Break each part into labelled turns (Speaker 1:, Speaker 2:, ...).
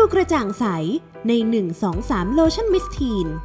Speaker 1: กระจ่างใสใน 1-2-3 โลชั่นมิสทีน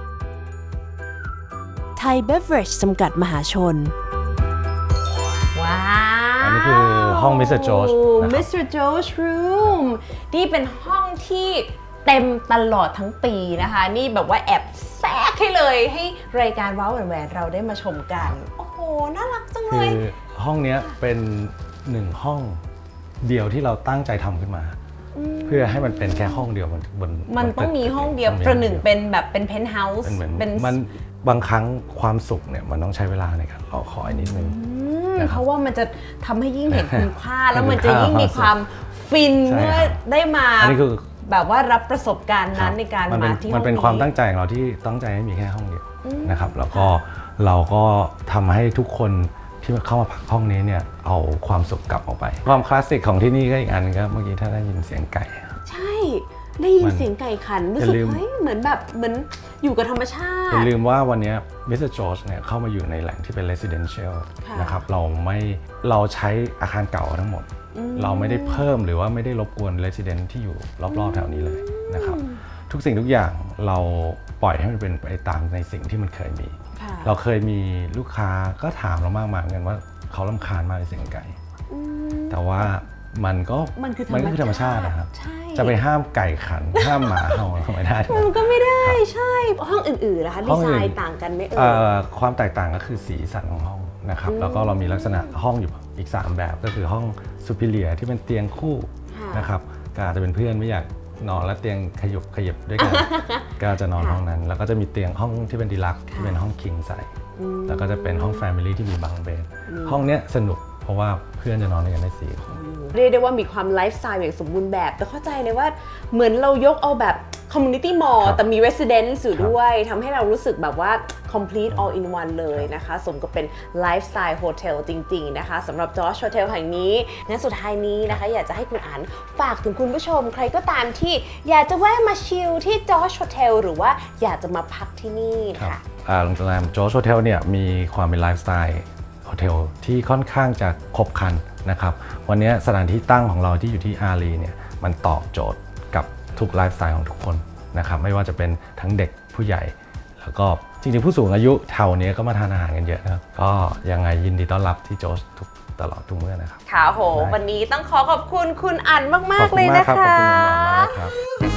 Speaker 1: ไทยเบเวอเรจจำกัดมหาชน
Speaker 2: ว้าว
Speaker 3: อันนี้คือห้อง Mr. George นะครับ
Speaker 2: Mr. George Room นี่เป็นห้องที่เต็มตลอดทั้งปีนะคะ นี่แบบว่าแอบแทรกให้เลยให้รายการว้าวแหวนเราได้มาชมกัน โอ้โห น่ารักจังเล
Speaker 3: คื
Speaker 2: ย
Speaker 3: อห้องนี้เป็นหนึ่งห้องเดียวที่เราตั้งใจทำขึ้นมา เพื่อให้มันเป็นแค่ห้องเดียวบน
Speaker 2: มันต้องมีห้องเดียวประหนึ่งเป็นแบบเป็นเพนท์เฮาส์
Speaker 3: เป็นเหมือนมันบางครั้งความสุขเนี่ยมันต้องใช้เวลาในการรอคอยนิดนึง
Speaker 2: เพราะว่ามันจะทำให้ยิ่งเห็นคุณค่า แล้วมันจะยิ่งมีความฟินเมื่อได้มาแบบว่ารับประสบการณ์นั้นในการมาที่ห้องนี้
Speaker 3: มันเป็นความตั้งใจของเราที่ตั้งใจให้มีแค่ห้องเดียวนะครับแล้วก็เราก็ทำให้ทุกคนที่เข้ามาพักห้องนี้เนี่ยเอาความสุขกลับออกไปความคลาสสิกของที่นี่ก็อีกอันก็เมื่อกี้ถ้าได้ยินเสียงไก่
Speaker 2: ใช่ได้ยินเสียงไก่ขันรู้สึกเฮ้ยเหมือนอยู่กับธรรมชาติ
Speaker 3: อย่าลืมว่าวันนี้ Mr. George เนี่ยเข้ามาอยู่ในแหล่งที่เป็น residential นะครับเราใช้อาคารเก่าทั้งหมดเราไม่ได้เพิ่มหรือว่าไม่ได้รบกวน resident ที่อยู่รอบๆแถวนี้เลยนะครับทุกสิ่งทุกอย่างเราปล่อยให้มันเป็นไปตามในสิ่งที่มันเคยมีเราเคยมีลูกค้าก็ถามเรามากมายเหมือนกันว่าเขารำคาญมากในเสียงไก่แต่ว่ามันคือธรรมชาตินะครับจะไปห้ามไก่ขันห้ามหมาเห่าไม่ได้
Speaker 2: มันก็ไม่ได้ใช่ห้องอื่นๆนะคะดีไซน์ต่างกันไหม
Speaker 3: ความแตกต่างก็คือสีสันของห้องนะครับแล้วก็เรามีลักษณะห้องอยู่อีก3แบบก็คือห้องซูเปอร์เลียที่เป็นเตียงคู่นะครับก็อาจจะเป็นเพื่อนไม่อยากนอนแล้วเตียงขยับด้วยกันก็จะนอนห้องนั้นแล้วก็จะมีเตียงห้องที่เป็นดีลักซ์ที่เป็นห้องคิงไซส์แล้วก็จะเป็นห้องแฟมิลี่ที่มีบังเบดห้องเนี้ยสนุกเพราะว่าเพื่อนจะนอนด้วยกันได้4 คน
Speaker 2: เรียกได้ว่ามีความไลฟ์สไตล์อย่างสมบูรณ์แบบแต่เข้าใจเลยว่าเหมือนเรายกเอาแบบ community mall แต่มี residence อยู่ด้วยทำให้เรารู้สึกแบบว่า complete all in one เลยนะคะสมกับเป็นไลฟ์สไตล์โฮเทลจริงๆนะคะสำหรับ George Hotel แห่งนี้งั้นสุดท้ายนี้นะคะอยากจะให้คุณอั๋นฝากถึงคุณผู้ชมใครก็ตามที่อยากจะแวะมาชิลที่ George Hotel หรือว่าอยากจะมาพักที่นี่ค่ะ
Speaker 3: โรงแรม George Hotel เนี่ยมีความเป็นไลฟ์สไตล์โฮเทลที่ค่อนข้างจะครบครันนะครับวันนี้สถานที่ตั้งของเราที่อยู่ที่อารีเนี่ยมันตอบโจทย์กับทุกไลฟ์สไตล์ของทุกคนนะครับไม่ว่าจะเป็นทั้งเด็กผู้ใหญ่แล้วก็จริงๆผู้สูงอายุแถวนี้ก็มาทานอาหารกันเยอะนะครับก็ยังไงยินดีต้อนรับที่โจชตลอดทุกเมื่อนะครับ
Speaker 2: ค่ะโหวันนี้ต้องขอบคุณคุณอั๋นมากๆเลยนะคะ
Speaker 3: ขอบคุณมากครับ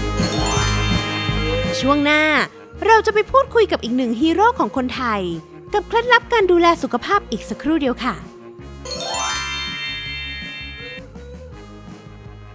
Speaker 1: ช่วงหน้าเราจะไปพูดคุยกับอีกหนึ่งฮีโร่ของคนไทยกับเคล็ดลับการดูแลสุขภาพอีกสักครู่เดียวค่ะ